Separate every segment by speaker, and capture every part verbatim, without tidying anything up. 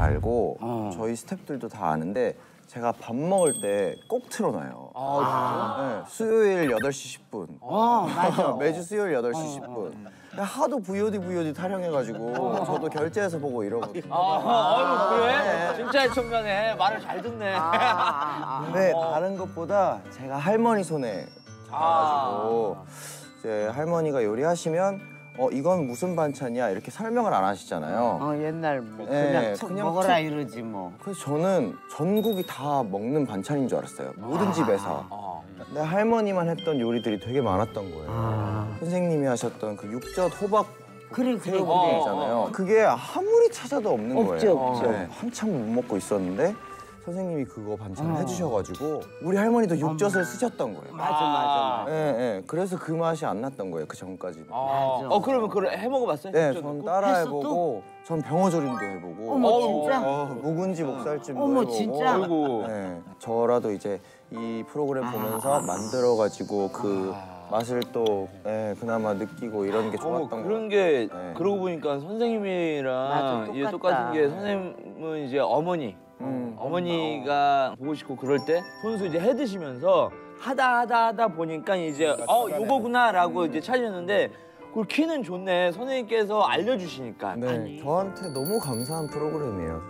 Speaker 1: 알고
Speaker 2: 어.
Speaker 1: 저희 스태프들도 다 아는데 제가 밥 먹을 때 꼭 틀어놔요.
Speaker 2: 아,
Speaker 1: 네, 수요일 여덟 시 십 분.
Speaker 2: 어, 맞아.
Speaker 1: 매주 수요일 여덟 시 십 분. 하도 브이오디 브이오디 타령해가지고 저도 결제해서 보고 이러거든요.
Speaker 2: 아, 어유 그래? 진짜 청년에 말을 잘 듣네.
Speaker 1: 근데 다른 것보다 제가 할머니 손에 가가지고 이제 할머니가 요리하시면 어 이건 무슨 반찬이야 이렇게 설명을 안 하시잖아요.
Speaker 3: 어 옛날 뭐
Speaker 1: 네,
Speaker 3: 그냥 툭
Speaker 1: 그냥
Speaker 3: 먹어라
Speaker 1: 툭.
Speaker 3: 이러지 뭐.
Speaker 1: 그래서 저는 전국이 다 먹는 반찬인 줄 알았어요. 모든 집에서. 근데 할머니만 했던 요리들이 되게 많았던 거예요.
Speaker 3: 아.
Speaker 1: 선생님이 하셨던 그 육젓 호박
Speaker 3: 그래 그래 그래.
Speaker 1: 새우국이잖아요. 그게 아무리 찾아도 없는
Speaker 3: 없죠,
Speaker 1: 거예요.
Speaker 3: 없죠.
Speaker 1: 네, 한참 못 먹고 있었는데 선생님이 그거 반찬을 해주셔가지고 우리 할머니도 육젓을 쓰셨던 거예요.
Speaker 3: 맞아 맞아.
Speaker 1: 예, 예. 그래서 그 맛이 안 났던 거예요. 그 전까지는.
Speaker 2: 어, 어 그러면 그걸 해 먹어봤어요?
Speaker 1: 네,
Speaker 2: 진짜?
Speaker 1: 전 따라해보고, 전 병어조림도 해보고,
Speaker 3: 어머, 진짜?
Speaker 1: 어, 묵은지 목살찜도
Speaker 3: 어머,
Speaker 1: 해보고.
Speaker 3: 진짜?
Speaker 2: 아이고.
Speaker 1: 네, 저라도 이제 이 프로그램 보면서 만들어가지고 그 맛을 또 예, 그나마 느끼고 이런 게
Speaker 2: 어,
Speaker 1: 좋았던 거.
Speaker 2: 그런 게
Speaker 1: 네.
Speaker 2: 그러고 보니까 선생님이랑
Speaker 3: 맞아,
Speaker 2: 이게
Speaker 3: 똑같다.
Speaker 2: 똑같은 게 선생님은 이제 어머니
Speaker 1: 음.
Speaker 2: 어머니가 보고 싶고 그럴 때 손수 이제 해 드시면서 하다 하다 하다 보니까 이제 어 요거구나라고 이제 찾았는데 그걸 키는 좋네 선생님께서 알려주시니까.
Speaker 1: 네, 저한테 너무 감사한 프로그램이에요.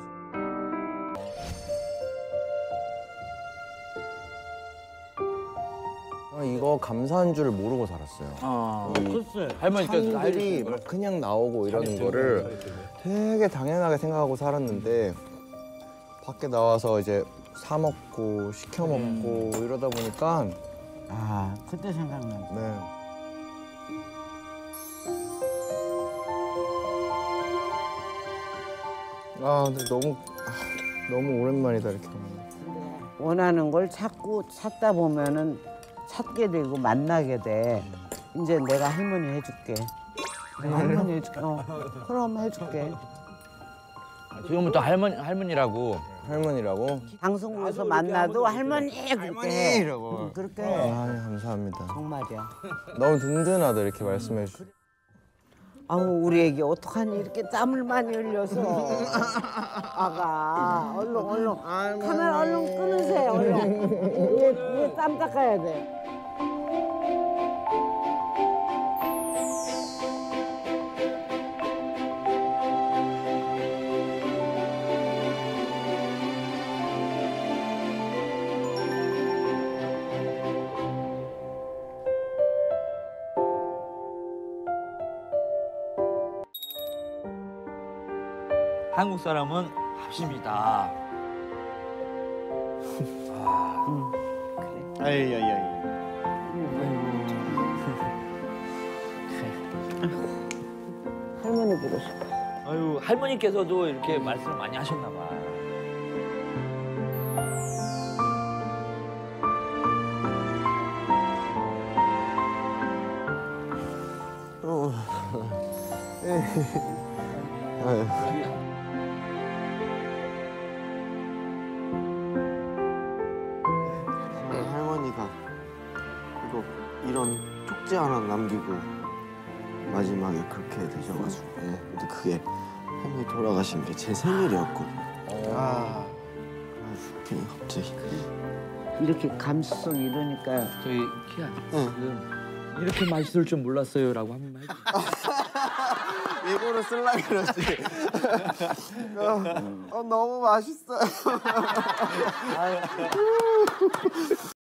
Speaker 1: 아, 이거 감사한 줄 모르고 살았어요.
Speaker 2: 아,
Speaker 3: 글쎄.
Speaker 2: 할머니께서
Speaker 1: 상들이 막 그냥 나오고 이러는 거를 되게 당연하게 생각하고 살았는데 밖에 나와서 이제 사 먹고 시켜 먹고 이러다 보니까
Speaker 3: 아 그때 생각난다.
Speaker 1: 네. 아 근데 너무 아, 너무 오랜만이다 이렇게.
Speaker 3: 원하는 걸 찾고 찾다 보면은 찾게 되고 만나게 돼. 이제 내가 할머니 해줄게. 내가 할머니 해줄게. 어, 그럼 해줄게.
Speaker 2: 지금부터 할머니 할머니라고.
Speaker 1: 할머니라고?
Speaker 3: 방송국에서 만나도 할머니 그렇게 해.
Speaker 1: 이러고.
Speaker 3: 응, 그렇게 해.
Speaker 1: 아 감사합니다.
Speaker 3: 정말이야.
Speaker 1: 너무 든든하다 이렇게 말씀해 주.
Speaker 3: 아우 우리 애기 어떡하니 이렇게 땀을 많이 흘려서. 아가 얼른 얼른 카메라 얼른 끊으세요. 얼른. 얘, 얘 땀 닦아야 돼.
Speaker 2: 한국 사람은 합심이다.
Speaker 1: 아이야야이.
Speaker 3: 할머니 보고 싶어.
Speaker 2: 아유 할머니께서도 이렇게 말씀을 많이 하셨나 봐.
Speaker 1: 어. 아유.
Speaker 4: 네, 할머니가 이거 이런 쪽지 하나 남기고 마지막에 그렇게 되셔가지고 예. 근데 그게 할머니 돌아가신 게 제 생일이었거든요. 아, 그냥 갑자기
Speaker 3: 이렇게 감수성 이러니까
Speaker 2: 저희 키야
Speaker 4: 네.
Speaker 2: 지금 이렇게 맛있을 줄 몰랐어요라고 한 번만 해주세요.
Speaker 4: 일부러 쓸라 그러지. 어, 어, 너무 맛있어요.